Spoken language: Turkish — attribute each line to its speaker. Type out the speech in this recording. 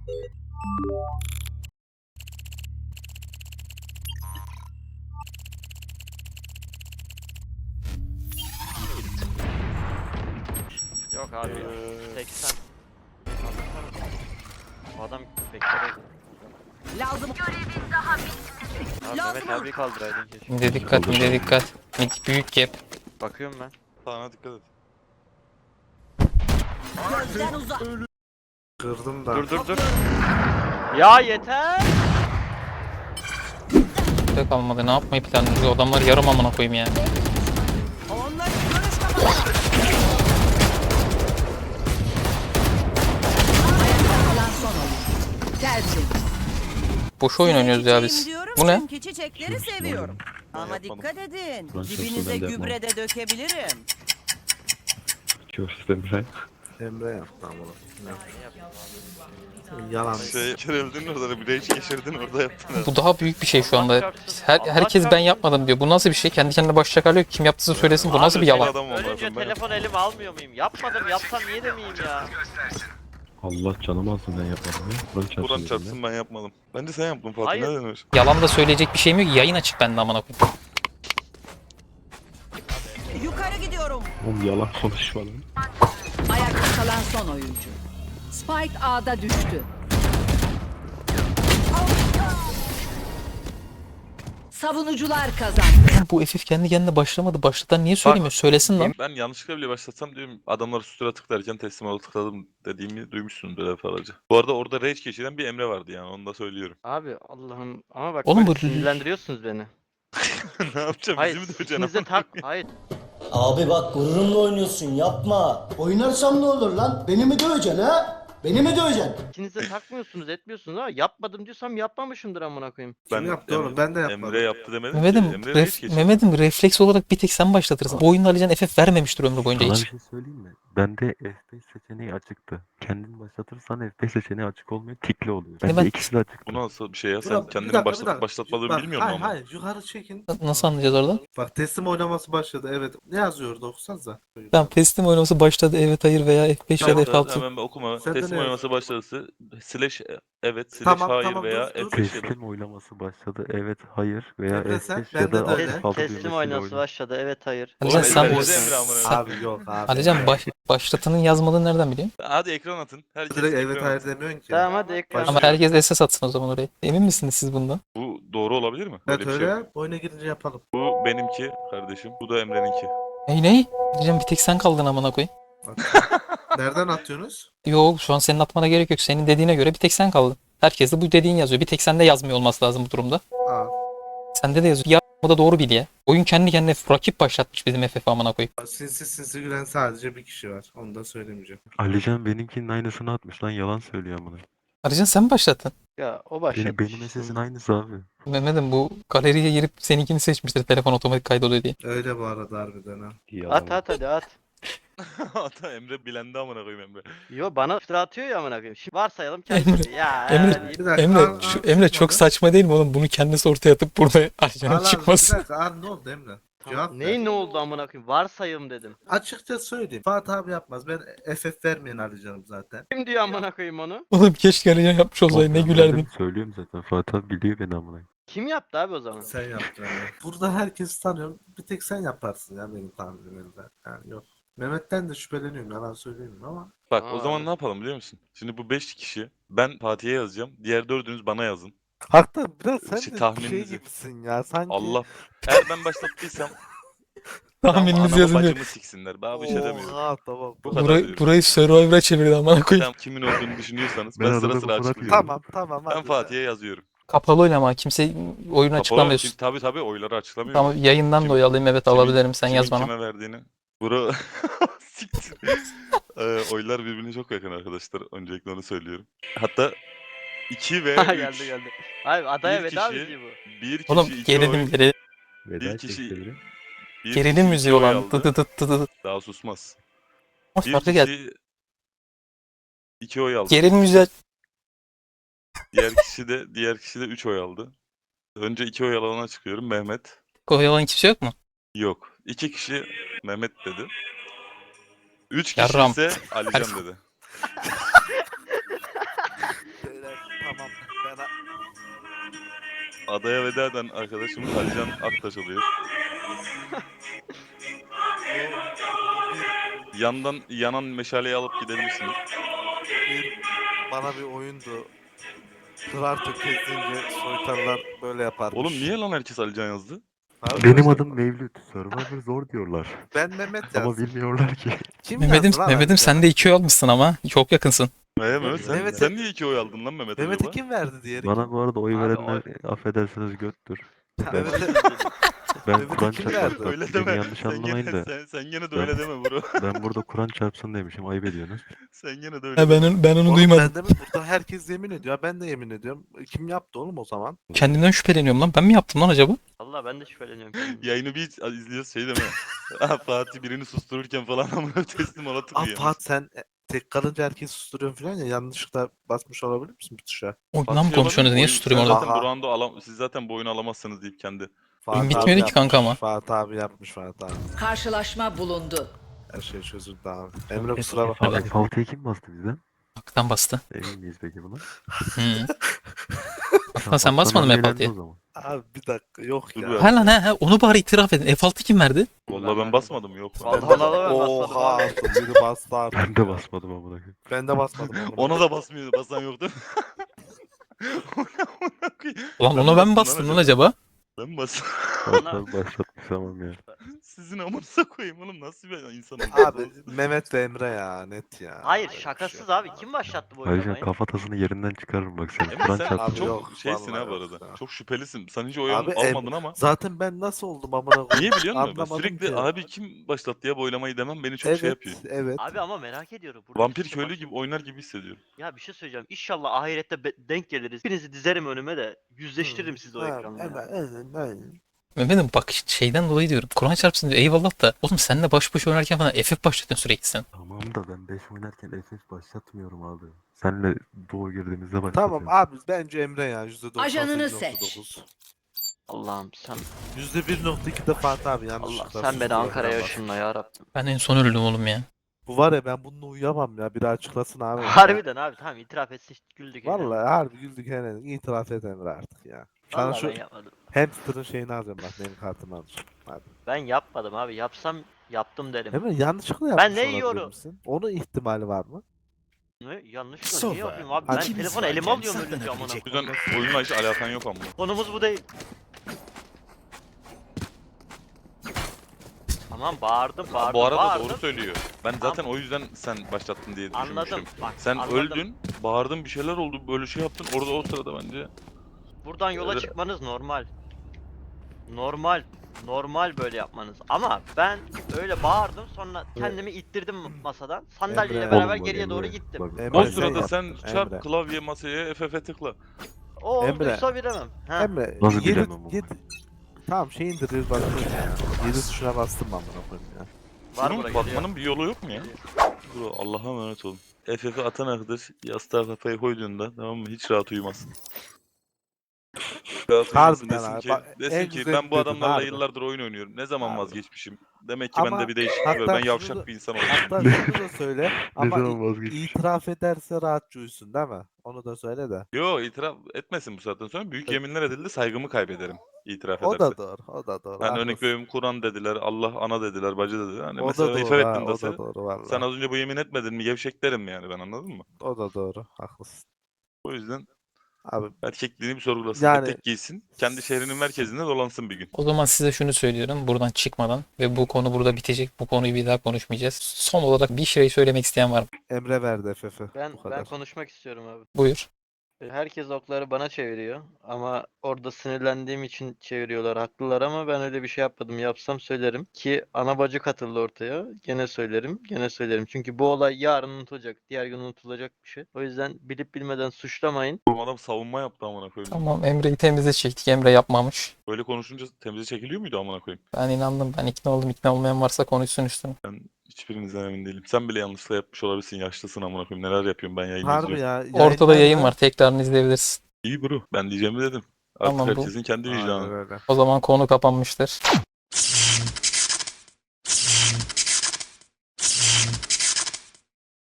Speaker 1: Yok abi ya. 80. O adam bekler.
Speaker 2: Lazım.
Speaker 1: Abi Mehmet abi kaldıraydın keşke.
Speaker 3: Mide dikkat, mide dikkat. Mid büyük gap.
Speaker 1: Bakıyorum ben.
Speaker 4: Sağına dikkat et.
Speaker 2: Gözden uzak.
Speaker 5: Kırdım da.
Speaker 1: Dur. Ya yeter.
Speaker 3: Tek kalmadı. Ne yapmayı planlıyoruz? Adamlar yarım amına koyayım ya.
Speaker 2: Onlar görüş kapalı. Ayakta kalan son oyun. Tersin.
Speaker 3: Boş oyun oynuyoruz ya biz. Bu ne?
Speaker 2: Çünkü çiçekleri seviyorum. Ama
Speaker 4: yapmadım.
Speaker 2: dikkat edin.
Speaker 6: Ben şahsen
Speaker 2: Dibinize
Speaker 6: ben de yapmam.
Speaker 2: gübre de dökebilirim.
Speaker 5: Emre yaptı ama. Yalan.
Speaker 4: Kere öldün orada da bir rage geçirdin orada yaptın.
Speaker 3: Bu daha büyük bir şey şu anda. Herkes ben yapmadım diyor. Bu nasıl bir şey? Kendi kendine başlayacak hali yok. Kim yaptıysa söylesin. Bu nasıl bir yalan?
Speaker 4: Adam olmaz,
Speaker 1: Ölünce
Speaker 4: ben
Speaker 1: telefon elime almıyor muyum? Yapmadım, yapsam niye demeyeyim ya?
Speaker 6: Allah canımı alsın ben yapmadım ya. Buran çarpsın.
Speaker 4: Buran
Speaker 6: dedim
Speaker 4: çarpsın ben yapmadım. Bence sen yaptın Fatih,
Speaker 1: Hayır.
Speaker 4: ne denir?
Speaker 3: Yalan da söyleyecek bir şeyim yok. Yayın açık bende amına koyayım.
Speaker 2: Yukarı gidiyorum.
Speaker 6: ya. Oğlum yalan konuşma lan.
Speaker 2: Ayakta kalan son oyuncu. Spike A'da düştü. Savunucular kazandı.
Speaker 3: Bu FF kendi kendine başlamadı. Başlatan niye söylemiyor? Söylesin lan.
Speaker 4: Ben yanlışlıkla bile başlatsam diyorum adamlar sustura tıklarken teslim ol tıkladım dediğimi duymuşsundur defalarca. Bu arada orada rage geçiren bir Emre vardı yani onu da söylüyorum.
Speaker 1: Abi Allah'ım ama bak
Speaker 3: Oğlum
Speaker 1: böyle
Speaker 3: bu-
Speaker 1: sinirlendiriyorsunuz beni.
Speaker 4: Ne yapacağım
Speaker 1: Hayır,
Speaker 4: bizi mi döveceksin?
Speaker 1: ikinize hayır.
Speaker 7: Abi bak gururumla oynuyorsun yapma.
Speaker 8: Oynarsam ne olur lan? Beni mi döveceksin ha? Beni mi döveceksin?
Speaker 1: İkinize takmıyorsunuz, etmiyorsunuz ama yapmadım diyorsam yapmamışımdır amına koyayım.
Speaker 5: Kim yaptı oğlum? Ben de yapmadım.
Speaker 4: Emre yaptı demedim
Speaker 3: Mehmet'im,
Speaker 4: ki. Emre rage geçirdi.
Speaker 3: Mehmet'im refleks olarak bir tek sen başlatırsın. Bu oyunda Alican FF vermemiştir ömrü boyunca
Speaker 6: Sana bir
Speaker 3: hiç.
Speaker 6: şey söyleyeyim mi? Bende F5 seçeneği açıktı. Kendin başlatırsan F5 seçeneği açık olmuyor, tikli oluyor. Bende
Speaker 3: ben-
Speaker 6: ikisi de açık.
Speaker 4: Bu nasıl bir şey ya? Sen
Speaker 5: Burak, bir
Speaker 4: kendini
Speaker 5: dakika, bir
Speaker 4: başlatıp
Speaker 5: dakika.
Speaker 4: başlatmadığını
Speaker 5: Bak,
Speaker 4: bilmiyor musun
Speaker 5: hayır,
Speaker 4: ama?
Speaker 5: hayır, yukarı çekin.
Speaker 3: Nasıl anlayacağız orada?
Speaker 5: Bak teslim oynaması başladı, evet. Ne yazıyordu, okusanıza.
Speaker 3: Tamam, teslim oynaması başladı. Evet, hayır veya F5 ya da
Speaker 4: Tamam,
Speaker 3: F6.
Speaker 4: hemen ben okuma.
Speaker 5: Sen de
Speaker 4: Teslim
Speaker 5: ne
Speaker 4: oynaması başladı. Slash evet, slash
Speaker 5: Tamam,
Speaker 4: hayır
Speaker 5: tamam,
Speaker 4: veya
Speaker 5: dur.
Speaker 4: F5 yazın.
Speaker 6: Teslim oylaması başladı. Evet, hayır veya
Speaker 5: Emre sen,
Speaker 6: F5 ya
Speaker 5: bende
Speaker 6: da
Speaker 5: de öyle.
Speaker 6: F6
Speaker 1: Teslim
Speaker 6: düğmesiyle
Speaker 1: oynası
Speaker 6: oyna.
Speaker 1: başladı, evet hayır.
Speaker 3: Alican
Speaker 4: Oğlum,
Speaker 3: sen...
Speaker 4: Emre Emre amına.
Speaker 5: Abi yok abi.
Speaker 3: Alican başlatanın yazmadığını nereden biliyorsun?
Speaker 4: Hadi ekran atın. Herkes
Speaker 5: Direkt
Speaker 4: ekran
Speaker 5: evet hayır
Speaker 4: atın.
Speaker 5: demiyorsun ki.
Speaker 1: Tamam hadi ekran.
Speaker 3: Ama herkes SS atsın o zaman oraya. Emin misiniz siz bundan?
Speaker 4: Bu doğru olabilir mi?
Speaker 5: Evet
Speaker 4: Böyle bir
Speaker 5: öyle
Speaker 4: şey.
Speaker 5: yap. Oyuna girince yapalım.
Speaker 4: Bu benimki kardeşim. Bu da Emre'ninki.
Speaker 3: Ney? Alican bir tek sen kaldın amına koyayım.
Speaker 5: Nereden atıyorsunuz?
Speaker 3: Yok, şu an senin atmana gerek yok. Senin dediğine göre bir tek sen kaldın. Herkes de bu dediğin yazıyor. Bir tek sende yazmıyor olması lazım bu durumda.
Speaker 5: Aa,
Speaker 3: Sende de yazıyor. Ya bu da doğru bil ya. Oyun kendi kendine rakip başlatmış bizim FF amına koyayım.
Speaker 5: sinsi gülen sadece bir kişi var. Onu da söylemeyeceğim.
Speaker 6: Alican benimkinin aynısını atmış lan, yalan söylüyor amına.
Speaker 3: Alican sen mi başlattın?
Speaker 1: Ya o başladı.
Speaker 6: Benim SS'in aynısı abi.
Speaker 3: Mehmet'im bu galeriye girip seninkini seçmiştir telefon otomatik kaydoluyor diye.
Speaker 5: Öyle bu arada harbiden ha.
Speaker 6: Yalan.
Speaker 1: At hadi at.
Speaker 4: Hatta Emre bilendi amına koyayım Emre.
Speaker 1: Yo bana iftira atıyor ya amına koyayım. Şimdi varsayalım kendisi. Ya
Speaker 3: Emre-
Speaker 1: deyip-
Speaker 5: Bir dakika.
Speaker 3: Emre çok saçma değil mi oğlum? Bunu kendisi ortaya atıp burada Alican'ın
Speaker 5: Bir
Speaker 3: çıkması.
Speaker 5: dakika abi, ne oldu Emre? Cevap ver.
Speaker 1: Neyin ne oldu amına koyayım? Varsayalım dedim.
Speaker 5: Açıkça söyleyeyim. Fatih abi yapmaz. Ben FF vermeyen alacağım zaten.
Speaker 1: Kim diyor amına koyayım onu?
Speaker 3: Oğlum keşke Alican yapmış olsaydı, ne
Speaker 6: Ben
Speaker 3: gülerdin.
Speaker 6: dedim, söylüyorum zaten. Fatih abi biliyor beni amına.
Speaker 1: Kim yaptı abi o zaman?
Speaker 5: Sen yaptın yani. Burada herkesi tanıyorum. Bir tek sen yaparsın ya benim tahminimde. Yani yok. Mehmet'ten de şüpheleniyorum. Yalan söyleyeyim ama.
Speaker 4: Bak o
Speaker 1: Aa.
Speaker 4: zaman ne yapalım biliyor musun? Şimdi bu 5 kişi ben Fatih'e yazacağım. Diğer dördünüz bana yazın.
Speaker 9: Hatta biraz sen
Speaker 4: Şey,
Speaker 9: de
Speaker 4: tahmininizi-
Speaker 9: gibisin ya sanki.
Speaker 4: Allah. Eğer ben başlattıysam
Speaker 3: Tahmininizi
Speaker 4: anamı
Speaker 3: yazın diyor.
Speaker 4: bacımı siksinler. Ben bir şey demiyorum.
Speaker 9: Oha tamam.
Speaker 4: Bu kadar
Speaker 3: Burayı,
Speaker 4: diyorum.
Speaker 3: burayı Survivor'a çevirdi amına koyayım.
Speaker 4: Sen kimin olduğunu düşünüyorsanız
Speaker 6: Ben
Speaker 4: ben
Speaker 6: arada
Speaker 4: sıra
Speaker 6: bu
Speaker 4: sıra
Speaker 6: Fırat
Speaker 4: açıklıyorum.
Speaker 9: Tamam tamam
Speaker 4: Ben
Speaker 9: hadi.
Speaker 4: Fatih'e yazıyorum.
Speaker 3: Kapalı oynama, kimse oyunu
Speaker 4: Kapalı
Speaker 3: açıklamıyorsun.
Speaker 4: tabii oyları açıklamıyorum.
Speaker 3: Tamam, yayından
Speaker 4: Kim-
Speaker 3: da oy alayım, evet
Speaker 4: kimin-
Speaker 3: alabilirim, sen
Speaker 4: kimin
Speaker 3: yaz bana.
Speaker 4: kime verdiğini. Bura siktir. Oylar birbirine çok yakın arkadaşlar. Öncelikle onu söylüyorum. Hatta 2 ve 3.
Speaker 1: geldi. Hayır adaya
Speaker 4: Bir
Speaker 1: veda
Speaker 4: kişi-
Speaker 1: müziği bu.
Speaker 4: Bir kişi
Speaker 3: Oğlum
Speaker 4: 2
Speaker 3: gerilim
Speaker 4: oy.
Speaker 3: gerilim.
Speaker 6: Veda
Speaker 4: kişi-
Speaker 6: çekti biri.
Speaker 4: Bir
Speaker 3: Gerilim
Speaker 4: kişi
Speaker 3: müziği
Speaker 4: 2 oy
Speaker 3: olan.
Speaker 4: aldı.
Speaker 3: Dı dı dı dı dı.
Speaker 4: Daha susmaz.
Speaker 3: Ama
Speaker 4: Bir
Speaker 3: farklı geldi.
Speaker 4: kişi 2 oy aldı.
Speaker 3: Gerilim müziği.
Speaker 4: Diğer kişi de 3 oy aldı. Önce 2 oy alana çıkıyorum. Mehmet.
Speaker 3: Koyalan kimse yok mu?
Speaker 4: Yok. 2 kişi Mehmet dedi. 3 kişi
Speaker 3: Yarram.
Speaker 4: ise Alican dedi.
Speaker 9: Tamam. Ben
Speaker 4: Adaya veda eden arkadaşımız Alican Aktaş oluyor. Yandan yanan meşaleyi alıp gidebilirsiniz.
Speaker 9: bana bir oyundu. Kırar tökezleyince soytarlar böyle yaparmış.
Speaker 4: Oğlum niye lan herkes Alican yazdı?
Speaker 9: Abi
Speaker 6: Benim
Speaker 9: işte-
Speaker 6: adım Mevlüt. Survivor zor diyorlar.
Speaker 9: Ben Mehmet
Speaker 6: Ama
Speaker 9: yazdım.
Speaker 6: bilmiyorlar ki.
Speaker 9: Kim
Speaker 3: Mehmet'im,
Speaker 9: yazdı lan
Speaker 3: Mehmet'im
Speaker 9: Alican?
Speaker 3: sen de 2 oy almışsın ama. Çok yakınsın.
Speaker 4: Mehmet sen,
Speaker 9: Mehmet'e-
Speaker 4: sen niye 2 oy aldın lan Mehmet
Speaker 9: Mehmet'e
Speaker 4: acaba?
Speaker 9: kim verdi diğeri?
Speaker 6: Bana bu arada oy
Speaker 1: Abi,
Speaker 6: verenler affedersiniz göttür.
Speaker 9: Ha,
Speaker 6: Ben,
Speaker 9: Mehmet'e
Speaker 6: ben
Speaker 9: Mehmet'e
Speaker 6: Kur'an
Speaker 9: kim
Speaker 6: çarpsın.
Speaker 9: verdi?
Speaker 6: Bak,
Speaker 4: Öyle
Speaker 6: beni
Speaker 4: deme.
Speaker 6: yanlış
Speaker 4: Sen
Speaker 6: anlamayın
Speaker 4: gene,
Speaker 6: da.
Speaker 4: sen gene de
Speaker 6: Ben-
Speaker 4: öyle deme bro.
Speaker 6: Ben burada Kur'an çarpsın demişim. Ayıp ediyorsunuz.
Speaker 4: Sen gene de öyle
Speaker 3: Ha,
Speaker 4: deme.
Speaker 3: ben onu
Speaker 9: Oğlum
Speaker 3: duymadım.
Speaker 9: ben de mi? Burada herkes yemin ediyor. Ben de yemin ediyorum. Kim yaptı oğlum o zaman?
Speaker 3: Kendimden şüpheleniyorum lan. Ben mi yaptım lan acaba?
Speaker 1: Valla ben de şüpheleniyorum. kendimden.
Speaker 4: Yayını bir izliyoruz şey deme. Ah, Fatih birini sustururken falan amına teslim ona
Speaker 9: Ah
Speaker 4: tıkıyor.
Speaker 9: Fuat sen tek kalınca herkes susturuyorsun falan ya. Yanlışlıkla basmış olabilir misin bu tuşa?
Speaker 3: Oyundan mı konuşuyorsunuz? Niye susturuyorum orada?
Speaker 4: Zaten bu round'u siz zaten bu oyunu alamazsınız deyip kendi.
Speaker 9: Fuat abi
Speaker 3: bitmiyordu ki
Speaker 9: yapmış,
Speaker 3: kanka ama.
Speaker 9: Fuat abi yapmış Fuat abi.
Speaker 2: Karşılaşma bulundu.
Speaker 9: Her şey çözüldü abi. Emre kusura bakma.
Speaker 6: Abi F6'ya kim bastı bizden?
Speaker 3: Hakikaten bastı.
Speaker 6: Emin miyiz peki buna?
Speaker 3: Hı. Hatta sen basmadın mı
Speaker 6: Aslan
Speaker 3: F6'ya?
Speaker 6: o zaman.
Speaker 9: Abi bir dakika yok
Speaker 4: Dur
Speaker 9: ya.
Speaker 4: bir
Speaker 3: Ha lan ha onu bari itiraf edin. F6 kim verdi?
Speaker 4: Vallahi ben basmadım yok.
Speaker 1: Vallahi ben basmadım
Speaker 9: Oha
Speaker 1: abi.
Speaker 9: artık biri bastı artık.
Speaker 6: Ben de basmadım amına koyayım.
Speaker 9: Ben de basmadım. amına
Speaker 4: Ona da basmıyor. Basan yoktu.
Speaker 3: Ulan ona ben mi bastım lan acaba?
Speaker 4: Ben bastım.
Speaker 6: Aslan başlatmış tamam ya.
Speaker 4: Sizin amınıza koyayım oğlum nasıl bir insan
Speaker 9: Abi Mehmet ve Emre ya net ya.
Speaker 1: Hayır
Speaker 9: Böyle bir
Speaker 1: şakasız
Speaker 9: şey yok
Speaker 1: abi. Kim başlattı bu
Speaker 6: Ayrıca
Speaker 1: oynamayı?
Speaker 6: kafatasını yerinden çıkarırım bak sen.
Speaker 4: Emre
Speaker 6: Kur'an
Speaker 4: sen
Speaker 6: çarpsın.
Speaker 9: Abi
Speaker 4: çok
Speaker 9: yok,
Speaker 4: şeysin ha bu
Speaker 9: vallahi
Speaker 4: arada.
Speaker 9: yok ya.
Speaker 4: Çok şüphelisin. Sen hiç oy
Speaker 9: Abi,
Speaker 4: almadın ama.
Speaker 9: Zaten ben nasıl oldum amına koyayım?
Speaker 4: Niye biliyor musun? Ben
Speaker 9: Anlamadım
Speaker 4: sürekli
Speaker 9: ki.
Speaker 4: abi kim başlattı ya bu oylamayı demem beni çok
Speaker 9: Evet,
Speaker 4: şey yapıyor.
Speaker 9: evet.
Speaker 1: Abi ama merak ediyorum. Burada
Speaker 4: Vampir
Speaker 1: kimse
Speaker 4: köylü
Speaker 1: baş-
Speaker 4: gibi oynar gibi hissediyorum.
Speaker 1: Ya bir şey söyleyeceğim. İnşallah ahirette denk geliriz. Hepinizi dizerim önüme de yüzleştiririm sizi o
Speaker 9: Ha,
Speaker 1: ekranda.
Speaker 9: evet.
Speaker 3: Mehmet'im bak şeyden dolayı diyorum. Kur'an çarpsın diyor. Eyvallah da. Oğlum seninle baş başa oynarken falan FF başlatıyorsun sürekli sen.
Speaker 6: Tamam da ben 5 oynarken FF başlatmıyorum abi. Senle doğu girdiğimizde başlatıyorum.
Speaker 9: Tamam abi bence Emre ya %98.9.
Speaker 2: Ajanını seç.
Speaker 1: Allah'ım sen
Speaker 9: %1.2 de Fatih abi yanlış.
Speaker 1: Allah sen beni Ankara'ya ışınla ya Rabbim.
Speaker 3: Ben en son öldüm oğlum ya.
Speaker 9: Bu var ya ben bununla uyuyamam ya. Biri açıklasın abi.
Speaker 1: Harbiden abi tamam itiraf etsin güldük.
Speaker 9: Vallahi harbi güldük hele. İtiraf et Emre artık ya. Sana
Speaker 1: Vallahi
Speaker 9: şu
Speaker 1: ben yapmadım.
Speaker 9: hamsterın şeyini alacağım bak benim kartımı alacağım. Hadi.
Speaker 1: Ben yapmadım abi. Yapsam yaptım derim.
Speaker 9: Emre yanlışlıkla
Speaker 1: Ben
Speaker 9: yapmış
Speaker 1: ne
Speaker 9: olabilir
Speaker 1: yiyorum?
Speaker 9: misin? Onun ihtimali var mı?
Speaker 1: Ne? Yanlışlıkla niye yapayım abi? Ben
Speaker 9: Hadi.
Speaker 1: telefonu elime alıyorum ölünce amına.
Speaker 4: O yüzden oyunla hiç alakan yok ama.
Speaker 1: Konumuz bu değil. Tamam bağırdım bağırdım
Speaker 4: Bu arada
Speaker 1: bağırdım.
Speaker 4: doğru söylüyor. Ben zaten o yüzden sen başlattın diye düşünmüştüm.
Speaker 1: Anladım. Bak,
Speaker 4: Sen
Speaker 1: anladım.
Speaker 4: öldün, bağırdın bir şeyler oldu, böyle şey yaptın. Orada o sırada bence.
Speaker 1: Buradan yola
Speaker 4: Öyle-
Speaker 1: çıkmanız normal. Normal. Normal böyle yapmanız. Ama ben öyle bağırdım sonra kendimi ittirdim masadan. Sandalyeyle
Speaker 9: Emre.
Speaker 1: beraber
Speaker 6: Oğlum bak
Speaker 1: geriye doğru
Speaker 6: Emre,
Speaker 1: gittim.
Speaker 6: bak,
Speaker 9: Emre,
Speaker 4: O
Speaker 9: sen
Speaker 4: sırada
Speaker 9: yaptın,
Speaker 4: sen çarp
Speaker 9: Emre.
Speaker 4: klavye masaya FF'e tıkla.
Speaker 1: O
Speaker 9: Emre.
Speaker 1: olduysa bilemem. Ha.
Speaker 9: Emre
Speaker 6: Nasıl
Speaker 9: yedi-
Speaker 6: bilemem ama?
Speaker 9: Tamam şey indiririz başlıyoruz ya. 7 tuşuna bastım ben buna koyayım ya.
Speaker 1: Var
Speaker 4: Bunun
Speaker 1: buraya
Speaker 4: bakmanın bir yolu yok mu ya? Bro Allah'a emanet olun. FF'e atan arkadaş yastığa kafayı koyduğunda tamam mı hiç rahat uyumazsın. Rahat uyumasın
Speaker 9: Harbiden
Speaker 4: desin
Speaker 9: abi,
Speaker 4: ki,
Speaker 9: bak, en
Speaker 4: desin ki
Speaker 9: güzel
Speaker 4: ben bu
Speaker 9: dedin,
Speaker 4: adamlarla
Speaker 9: harbi.
Speaker 4: yıllardır oyun oynuyorum. Ne zaman
Speaker 9: Harbi.
Speaker 4: vazgeçmişim? Demek ki
Speaker 9: Ama
Speaker 4: bende bir değişiklik
Speaker 9: hatta
Speaker 4: var. Ben
Speaker 9: şunu
Speaker 4: yavşak
Speaker 9: da-
Speaker 4: bir insan oldum.
Speaker 9: Hatta şunu da söyle ama
Speaker 6: zaman vazgeçmiş?
Speaker 9: itiraf ederse rahatça uyusun değil mi? Onu da söyle de.
Speaker 4: Yo itiraf etmesin bu saatten sonra. Büyük
Speaker 9: Evet.
Speaker 4: yeminler edildi saygımı kaybederim itiraf
Speaker 9: O
Speaker 4: ederse.
Speaker 9: da doğru, o da doğru.
Speaker 4: Yani örnek
Speaker 9: haklısın.
Speaker 4: veriyorum Kur'an dediler, Allah ana dediler, bacı dediler. Hani
Speaker 9: O da
Speaker 4: mesela
Speaker 9: doğru,
Speaker 4: ifade
Speaker 9: ha,
Speaker 4: ettin
Speaker 9: o
Speaker 4: dese,
Speaker 9: da doğru vallahi.
Speaker 4: sen az önce bu yemin etmedin mi gevşek derim yani ben anladın mı?
Speaker 9: O da doğru, haklısın.
Speaker 4: O yüzden
Speaker 9: Abi
Speaker 4: erkekliğini bir sorgulasın,
Speaker 9: Yani-
Speaker 4: etek giysin, kendi şehrinin merkezinde dolansın bir gün.
Speaker 3: O zaman size şunu söylüyorum buradan çıkmadan ve bu konu burada bitecek. Bu konuyu bir daha konuşmayacağız. Son olarak bir şey söylemek isteyen var mı?
Speaker 9: Emre verdi FF'i.
Speaker 1: Ben
Speaker 9: Bu kadar.
Speaker 1: konuşmak istiyorum abi.
Speaker 3: Buyur.
Speaker 1: Herkes okları bana çeviriyor ama orada sinirlendiğim için çeviriyorlar. Haklılar ama ben öyle bir şey yapmadım. Yapsam söylerim ki ana bacı katıldı ortaya. Gene söylerim, gene söylerim. Çünkü bu olay yarın unutulacak, diğer gün unutulacak bir şey. O yüzden bilip bilmeden suçlamayın.
Speaker 4: Bu adam savunma yaptı amına koyayım.
Speaker 3: Tamam Emre'yi temize çektik. Emre yapmamış.
Speaker 4: Böyle konuşunca temize çekiliyor muydu amına koyayım?
Speaker 3: Ben inandım. Ben ikna oldum. İkna olmayan varsa konuşsun üstüne.
Speaker 4: Ben hiçbirinizden emin değilim. Sen bile yanlışlıkla yapmış olabilirsin, yaşlısın amına koyayım. Neler yapıyorum ben yayın
Speaker 9: Harbi
Speaker 4: izliyorum.
Speaker 9: ya.
Speaker 3: Ortada yayın
Speaker 9: yayınlarda-
Speaker 3: var. Tekrarını izleyebilirsin.
Speaker 4: İyi bro, ben diyeceğimi dedim. Artık
Speaker 3: Tamam, bu-
Speaker 4: herkesin kendi
Speaker 9: Aynen
Speaker 4: vicdanı.
Speaker 9: öyle.
Speaker 3: O zaman konu kapanmıştır.